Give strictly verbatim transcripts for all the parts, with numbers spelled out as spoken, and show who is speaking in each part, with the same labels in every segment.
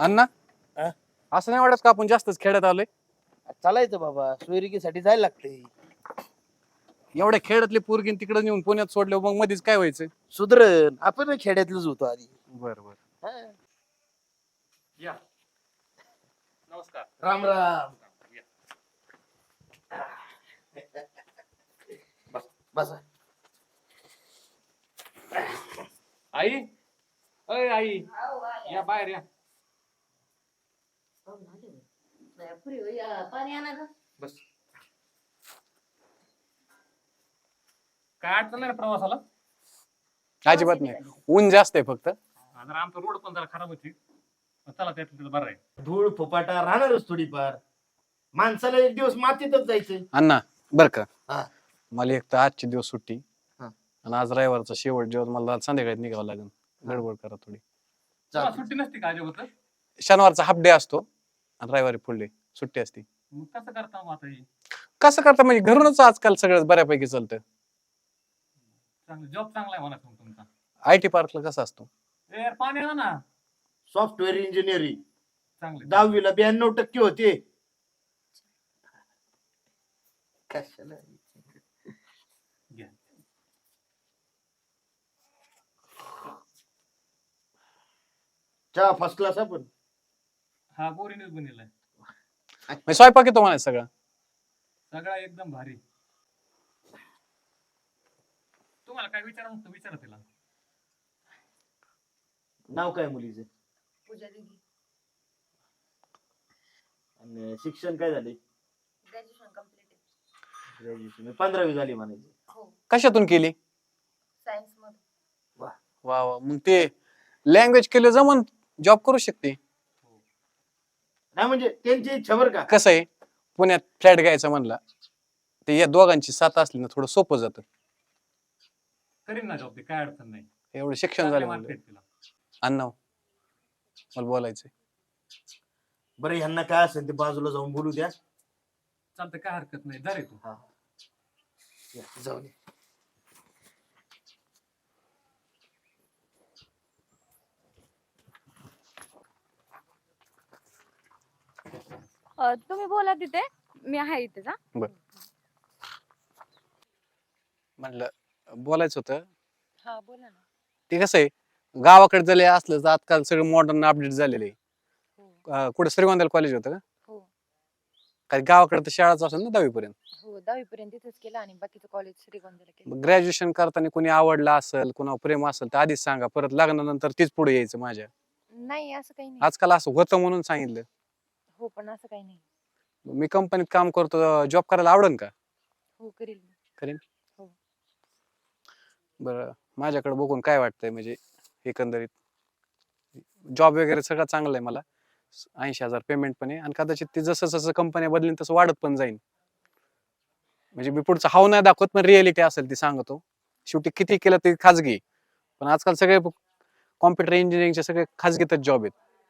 Speaker 1: अण्णा
Speaker 2: हा?
Speaker 1: असं नाही वाटत का आपण जास्तच खेड्यात आलोय?
Speaker 2: चालायचं बाबा, सोयरिकीसाठी जायला लागते.
Speaker 1: एवढ्या खेड्यातली पोरगी तिकडे नेऊन पुण्यात सोडलं मग मध्येच काय व्हायचं?
Speaker 2: सुधरण आपण खेड्यातलंच होतो आधी.
Speaker 1: बर बर.
Speaker 2: हा.
Speaker 1: या नमस्कार.
Speaker 2: राम राम. बसा.
Speaker 1: आई अय आई या बाहेर या.
Speaker 3: पाणी आणा ग.
Speaker 1: बस. काय अडचण नाही ना प्रवासाला? अजिबात नाही, ऊन जास्त आहे फक्त.
Speaker 4: जरा आमचा रोड पण जरा खराब होती, चला त्यातलं बरं आहे.
Speaker 2: धूळ फुपाटा राहणारच थोडीफार. माणसाला एक दिवस मातीतच जायचं.
Speaker 1: अण्णा बर का,
Speaker 2: हा.
Speaker 1: मला एक तर आजचे दिवस सुट्टी
Speaker 2: हा.
Speaker 1: आणि आज रविवारचा शेवट दिवस, मला संध्याकाळी निघावं लागेल. गडबड करा थोडी.
Speaker 4: तुम्हाला सुट्टी नसते का अजिबात?
Speaker 1: शनिवारचा हाफ डे असतो आणि रविवारी फुल डे सुट्टी असते.
Speaker 4: मग कसं करता मग आता हे?
Speaker 1: कसं करता म्हणजे घरूनच आजकाल सगळं बऱ्यापैकी चालतं.
Speaker 4: चांगलं जॉब चांगला आहे म्हणा मग तुमचा.
Speaker 1: आय टी पार्कला कसं असतो?
Speaker 4: ए यार पाणी आणा ना.
Speaker 2: सॉफ्टवेअर इंजिनिअरिंग
Speaker 4: चांगलं
Speaker 2: दहावीला ब्याण्णव टक्के होते. कशाला
Speaker 4: घ्या.
Speaker 2: चहा फर्स्ट क्लास आपण.
Speaker 4: हा बोरीनेच बनलेला आहे.
Speaker 1: म्हणजे स्वयंपाक येतो म्हणायचं सगळं?
Speaker 4: सगळा एकदम भारी. तुम्हाला काय विचारा नसतं विचारा तिला.
Speaker 2: नाव काय मुलीचं?
Speaker 3: पूजा दीदी.
Speaker 2: आणि शिक्षण काय झाले?
Speaker 3: ग्रॅज्युएशन कम्प्लीट आहे.
Speaker 2: ग्रॅज्युएशन पंधरावी झाली म्हणायची.
Speaker 3: हो.
Speaker 1: कशातून केली?
Speaker 3: सायन्स मध्ये.
Speaker 1: वा वा, मग ते लँग्वेज केलं जमन, जॉब करू शकते.
Speaker 2: नाही म्हणजे त्यांची इच्छा बरं का.
Speaker 1: कसं आहे, पुण्यात फ्लॅट घ्यायचा म्हणला ते या दोघांची साथ असली ना थोडं सोपं जातं.
Speaker 4: करीन ना जॉब, ते काय अडचण नाही.
Speaker 1: एवढं शिक्षण
Speaker 4: चांगले
Speaker 1: झालं
Speaker 4: mark
Speaker 1: म्हणलं.
Speaker 4: आहेत तिला.
Speaker 1: अण्णा मला बोलायचंय.
Speaker 2: बरं ह्यांना काय असेल ते बाजूला जाऊन बोलू द्या.
Speaker 4: चालतं, काय हरकत नाही. जा रे तू.
Speaker 2: हा. या, जाऊन ये.
Speaker 5: अ, तुम्ही बोला तिथे, मी आहे इथे जा.
Speaker 1: म्हणलं बोलायचं होतं.
Speaker 5: हा बोला ना.
Speaker 1: ते कसं आहे, गावाकडे जरी असलं तर आजकाल सगळं मॉडर्न अपडेट झालेलं आहे.
Speaker 5: हो
Speaker 1: अं, कुठे श्रीगोंद्याला कॉलेज होतं का?
Speaker 5: हो
Speaker 1: काय गावाकडे तर शाळाच असेल ना दहावी पर्यंत.
Speaker 5: हो दहावी पर्यंत तिथेच केलं आणि बाकीचं कॉलेज श्रीगोंद्याला केलं.
Speaker 1: ग्रॅज्युएशन करताना कोणी आवडलं असेल, कोणावर प्रेम असेल तर आधीच सांगा, परत लग्नानंतर तीच पुढे यायचं माझ्या.
Speaker 5: नाही असं काही नाही.
Speaker 1: आजकाल असं होतं म्हणून सांगितलं.
Speaker 5: हो पण असं काही नाही.
Speaker 1: मी कंपनीत काम करतो, जॉब करायला आवडेल का?
Speaker 5: हो करील मी.
Speaker 1: करीन.
Speaker 5: हो.
Speaker 1: बरं, माझ्याकडे बघून काय वाटतंय म्हणजे एकंदरीत जॉब वगैरे सगळं चांगलं आहे मला. ऐंशी हजार पेमेंट पण आहे आणि कदाचित ते जसं जसं कंपन्या बदलेन तसं वाढत पण जाईल. म्हणजे मी पुढचं हाव नाही दाखवत, पण रिअलिटी असेल ती सांगतो. शेवटी किती केलं ते खाजगी, पण आजकाल सगळे कॉम्प्युटर इंजिनिअरिंगचे सगळे खाजगीतच जॉब आहेत.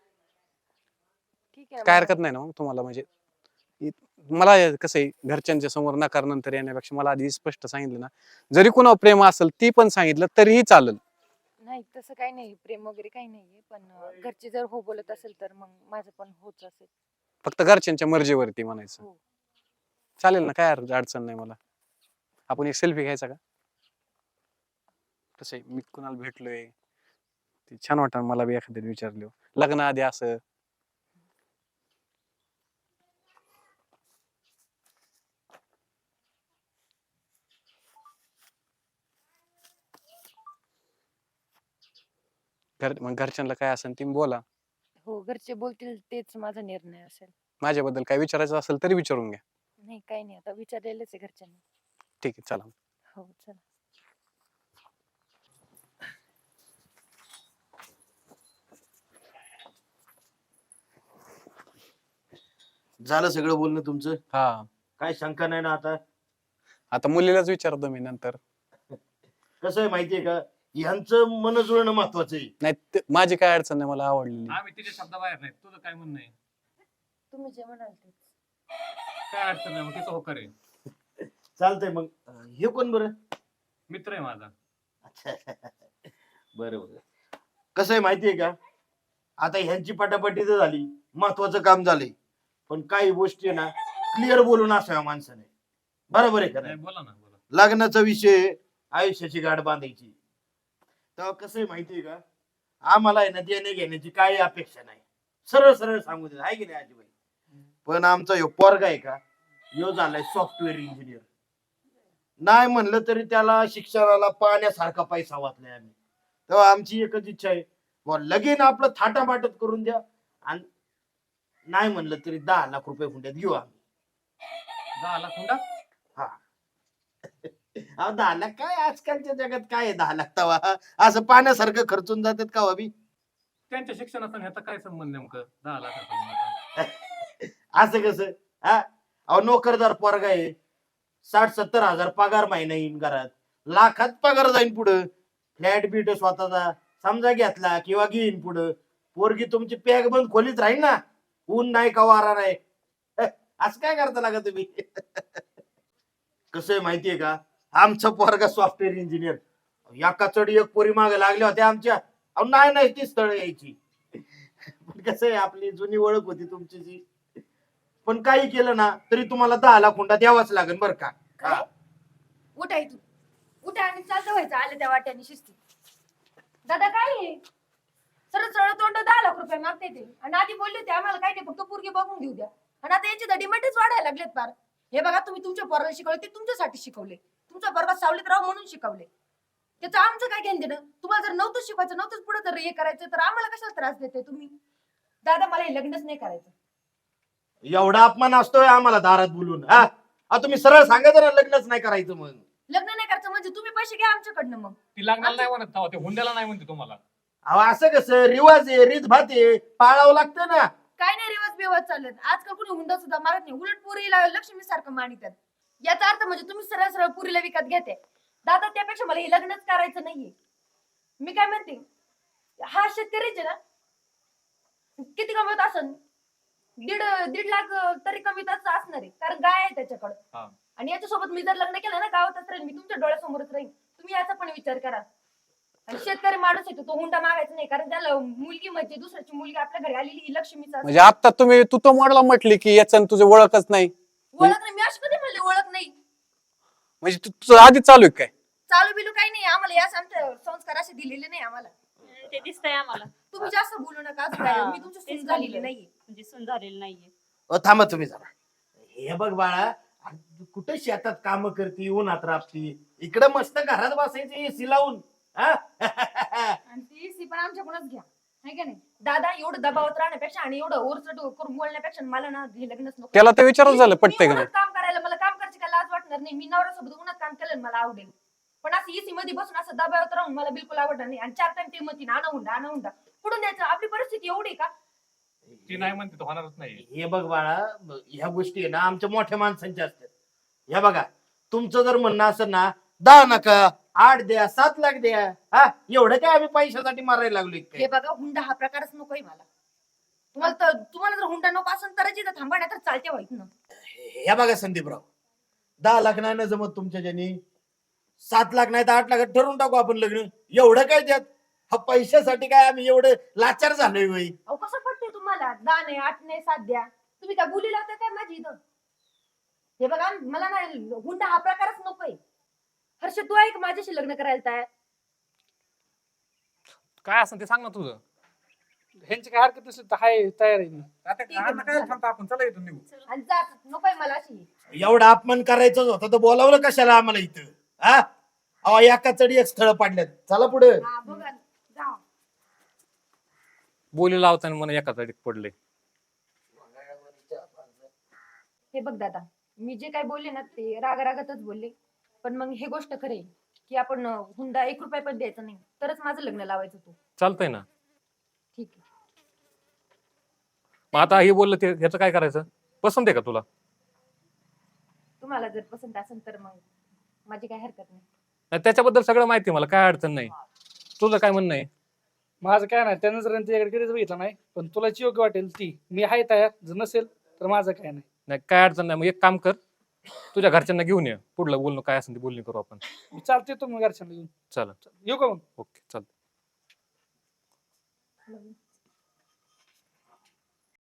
Speaker 5: ठीक आहे.
Speaker 1: काय
Speaker 5: बघा.
Speaker 1: हरकत नाही ना मग तुम्हाला? म्हणजे इ- मला कसं आहे, घरच्यांच्या समोर नकार नंतर येण्यापेक्षा मला आधी स्पष्ट सांगितलं ना, जरी कुणावर प्रेम असेल ती पण सांगितलं तरीही चालेल.
Speaker 5: नाही तसं काही नाही, प्रेम वगैरे काही नाहीये, पण अं, घरचे जर हो बोलत असेल तर मग माझं पण होच असेल.
Speaker 1: फक्त घरच्यांच्या मर्जीवरती म्हणायचं.
Speaker 5: हो.
Speaker 1: चालेल ना, काय अड- अडचण नाही मला. आपण एक सेल्फी घ्यायचा का? कसं आहे, मी कुणाला भेटलोय ते छान वाटत मला बी एखाद्याने विचारलं लग्न आधी असं. घर मग घरच्यांना काय असेल ती बोला.
Speaker 5: हो घरचे बोलतील तेच माझा निर्णय असेल.
Speaker 1: माझ्याबद्दल काय विचारायचं असेल तरी विचारून घ्या.
Speaker 5: नाही काही नाही, आता विचारलेलंच आहे घरच्यांना.
Speaker 1: ठीक आहे, चला.
Speaker 5: हो चला.
Speaker 2: झालं सगळं बोलणं तुमचं?
Speaker 1: हा,
Speaker 2: काय शंका नाही ना आता?
Speaker 1: आता मुलीलाच विचारतो मी नंतर.
Speaker 2: कसं आहे माहितीये का, ह्यांचं मन जुळणं महत्वाचं आहे.
Speaker 1: नाही ते- माझी काय अडचण नाही, मला आवडलेली.
Speaker 4: आम्ही तिच्या शब्दाबाहेर नाही. तुझं काय म्हणणं आहे?
Speaker 5: तुम्ही जे म्हणाल तेच.
Speaker 4: काय अडचण नाही, मग तिचा होकार आहे.
Speaker 2: चालतंय मग. अं, हे कोण बरं?
Speaker 4: मित्र आहे माझा.
Speaker 2: अच्छा. बरं बरं. कसं आहे माहितीये का, आता ह्यांची पटापटी तर झाली, महत्वाचं काम झालंय, पण काही गोष्टी ना क्लिअर बोलून असाव्या माणसाने. बरोबर आहे का
Speaker 4: नाही,
Speaker 2: नाही?
Speaker 4: बोला ना बोला.
Speaker 2: लग्नाचा विषय, आयुष्याची गाठ बांधायची. तेव्हा कसं आहे माहितीये का, आम्हाला आहे ना देणे घेण्याची काही अपेक्षा नाही, सरळ सरळ सांगू दे, आहे की नाही आजीबाई? पण आमचा ह्यो पोरगा आहे का, ह्यो झालाय सॉफ्टवेअर इंजिनियर. नाही म्हणलं तरी त्याला शिक्षणाला पाण्यासारखा पैसा वाचलाय आम्ही. तेव्हा आमची एकच इच्छा आहे, बुवा लगीन आपलं थाटामाटत करून द्या, आणि नाही म्हणलं तरी दहा लाख रुपये हुंड्यात घेऊ आम्ही.
Speaker 4: दहा लाख हुंडा?
Speaker 2: हा. अहो दहा लाख काय, आजकालच्या जगात काय आहे दहा लाख तवा, असं पाण्यासारखं खर्चून जातात का अभि?
Speaker 4: त्यांच्या शिक्षणाचा ह्याचा काय संबंध नेमकं दहा लाखाचा?
Speaker 2: असं कसं? हा, अहो नोकरदार पोरगा आहे, साठ सत्तर हजार पगार महिना येईन घरात, लाखात पगार जाईन पुढं. फ्लॅट बीट स्वतःचा समजा घेतला किंवा घेईन पुढं, पोरगी तुमची पॅक बंद खोलीत राहील ना, ऊन नाही का वारा नाही. असं काय करता लागा तुम्ही? कसं आहे माहितीये का, आमचा पोरगा सॉफ्टवेअर इंजिनियर, एका चढी एक पोरी मागे लागल्या होत्या आमच्या. अहो नाही नाही ती स्थळ यायची. पण कसं आहे, आपली जुनी ओळख होती तुमची जी, पण काही केलं ना तरी तुम्हाला दहा लाख हुंडा द्यावाच लागेल बरं का.
Speaker 3: काय उठा इथून, उठा आणि चालतं व्हायचं आले त्या वाट्याने शिस्ती. दादा काय आहे? सरळ सरळ तोंड दहा लाख रुपये मागते ते, आणि आधी बोलले होते आम्हाला काय नाही, फक्त पोरगी बघून घेऊ द्या. आणि आता यांची डिमांडच वाढायला लागलेत फार. हे बघा, तुम्ही तुमच्या पोराला शिकवले ते तुमच्यासाठी शिकवले, तुमचा पोरगा सावलीत राव म्हणून शिकवले. त्याचं आमचं काय घेणं देणं? तुम्हाला जर नव्हतं शिकवायचं, नव्हतंच पुढे जर हे करायचं, तर आम्हाला कशाला त्रास देते तुम्ही? दादा मला हे लग्नच नाही करायचं.
Speaker 2: एवढा अपमान असतोय आम्हाला दारात बोलून? हा, अहो, तुम्ही सरळ सांगायचं ना लग्नच नाही करायचं. मग
Speaker 3: लग्न नाही करायचं म्हणजे तुम्ही पैसे घ्या आमच्याकडनं. मग
Speaker 4: ती लग्नाला नाही म्हणत तेव्हा, ते हुंड्याला नाही म्हणते तुम्हाला.
Speaker 2: अहो असं कसं, रिवाज आहे, रीत भात आहे, पाळावं लागतं ना.
Speaker 3: काय नाही रिवाज बिवाज चालत, आजकाल कोणी हुंडा सुद्धा मारत नाही, उलट पुरीला लक्ष्मी सारखं मानितात. याचा अर्थ म्हणजे तुम्ही सरळ सरळ पुरीला विकत घेते. दादा त्यापेक्षा मला हे लग्नच करायचं नाहीये. मी काय म्हणते, हा शेतकरीचे ना किती कमवत असन, दीड दीड लाख तरी कमीत असणार आहे, कारण गाय आहे त्याच्याकडे.
Speaker 4: हा.
Speaker 3: आणि याच्यासोबत मी जर लग्न केलं ना, गावातच राहील, मी तुमच्या डोळ्यासमोरच राहील. तुम्ही याचा पण विचार करा. आणि शेतकरी माणूस येतो तो हुंडा मागायचा नाही, कारण त्याला मुलगी म्हणजे दुसऱ्याची मुलगी आपल्या घरी आलेली ही लक्ष्मीचा
Speaker 1: म्हणजे आता तुम्ही तू तो मॉडला म्हटली की याचं तुझं ओळखच नाही,
Speaker 3: ओळख नाही. मी अशी कधी म्हणले ओळख नाही?
Speaker 1: म्हणजे तू- तुझं आधी चालू आहे काय?
Speaker 3: चालू बिलू काही नाही आम्हाला, या आमचे संस्कार असे दिलेले नाही आम्हाला.
Speaker 6: ते दिसतंय आम्हाला.
Speaker 3: तुम्ही जास्त बोलू नका. असं काय, मी तुमची सून झालेली नाहीये.
Speaker 6: म्हणजे सून झालेली नाहीये.
Speaker 2: अहो थांबा तुम्ही जरा. हे बघ बाळा, कुठे शेतात काम करती, उन्हात राबती, इकडे मस्त घरात बसायचं एसी लावून. हा?
Speaker 3: आणि ती सी पण आमच्याकडूनच घ्या, है का नाही? दादा एवढं दबावत राहण्यापेक्षा आणि एवढं ओरचट करून बोलण्यापेक्षा मला ना हे लग्नच नको.
Speaker 1: त्याला तर विचारच झालं
Speaker 3: मी-
Speaker 1: पटतंय
Speaker 3: मी
Speaker 1: का नाही?
Speaker 3: उन्हात काम करायला मला काम करायची काय लाज वाटणार नाही. मी नवऱ्यासोबत उन्हात काम केलं ना, मला आवडेल. पण असं एसी मध्ये बसून असं दबावत राहून मला बिलकुल आवडणार नाही. आणि चार टाइम ते म्हणतील आणा हुंडा आणा हुंडा, कुठून द्यायचं? आपली परिस्थिती एवढी आहे का?
Speaker 4: ती नाही म्हणते तो होणारच नाही.
Speaker 2: हे बघ बाळा, ह्या गोष्टी आहे ना आमच्या मोठ्या माणसांच्या असतात. ह्या बघा, तुमचं जर म्हणणं असं ना, दहा नका, आठ द्या, सात लाख द्या, हा एवढं काय आम्ही पैशासाठी मारायला लागलो
Speaker 3: हे
Speaker 2: काय?
Speaker 3: बघा, हुंडा हा प्रकारच नकोय मला. तुम्हाला तर तुम्हाला जर हुंडा नको असेल तरच इथं थांबा, नाही तर चालते व्हायच ना.
Speaker 2: ह्या बघा संदीपराव, दहा लाख नाही ना जमत तुमच्या ज्यानी, सात लाख नाही तर आठ लाखात ठरवून टाकू आपण लग्न. एवढं काय त्यात? हा पैशासाठी काय आम्ही एवढं लाचार झालोय बाई?
Speaker 3: अहो कसं पडते तुम्हाला? दहा नाही, आठ नाही, सात द्या. तुम्ही काय बोली लावता काय माझी इथं? हे बघा, मला ना हुंडा हा प्रकारच नकोय. हर्ष तू आहे का माझ्याशी लग्न करायला तयार?
Speaker 4: काय असं ते सांग ना तुझं.
Speaker 7: ह्यांची काय हरकत नसेल तर हाय, तयार आहे मी.
Speaker 4: आता
Speaker 3: ठीक आहे,
Speaker 4: काय थांबता आपण, चला इथून निघू.
Speaker 3: आणि जा, नकोय मला अशी.
Speaker 2: एवढा अपमान करायचंच होतं तर बोलावलं कशाला आम्हाला इथं? हा, अहो एका चढी एक स्थळ पाडल्यात, चला पुढे.
Speaker 3: हा बघा, जा.
Speaker 4: बोली लावताना मला एका जाडीत पडले.
Speaker 3: हे बघ दादा, मी जे काय बोलले ना ते राग रागातच बोलले. पण मग हे गोष्ट खरे की आपण अं, हुंडा एक रुपया पण द्यायचा नाही, तरच माझं लग्न लावायचं तू.
Speaker 4: चालतंय ना.
Speaker 3: ठीक आहे.
Speaker 4: मग आता हे बोललं ते ह्याचं काय करायचं? पसंत आहे का तुला?
Speaker 3: तुम्हाला जर पसंत असेल तर मग माझी काय हरकत नाही.
Speaker 4: नाही, त्याच्याबद्दल सगळं माहिती आहे मला, काय अडचण नाही. तुझं काय म्हणणं आहे?
Speaker 7: माझं काय नाही, त्यानं जर त्याच्याकडे कधीच बघितलं नाही, पण तुला जी योग्य वाटेल ती, मी आहे तयार. जर नसेल तर माझं काय नाही.
Speaker 4: नाही, काय अडचण नाही. मग एक काम कर, तुझ्या घरच्यांना घेऊन ये, पुढलं बोलणं काय असेल ते बोलणी करू आपण.
Speaker 7: मी चालते तुम्ही घरच्यांना घेऊन.
Speaker 4: चला,
Speaker 7: येऊ का मग?
Speaker 4: ओके, चालतं.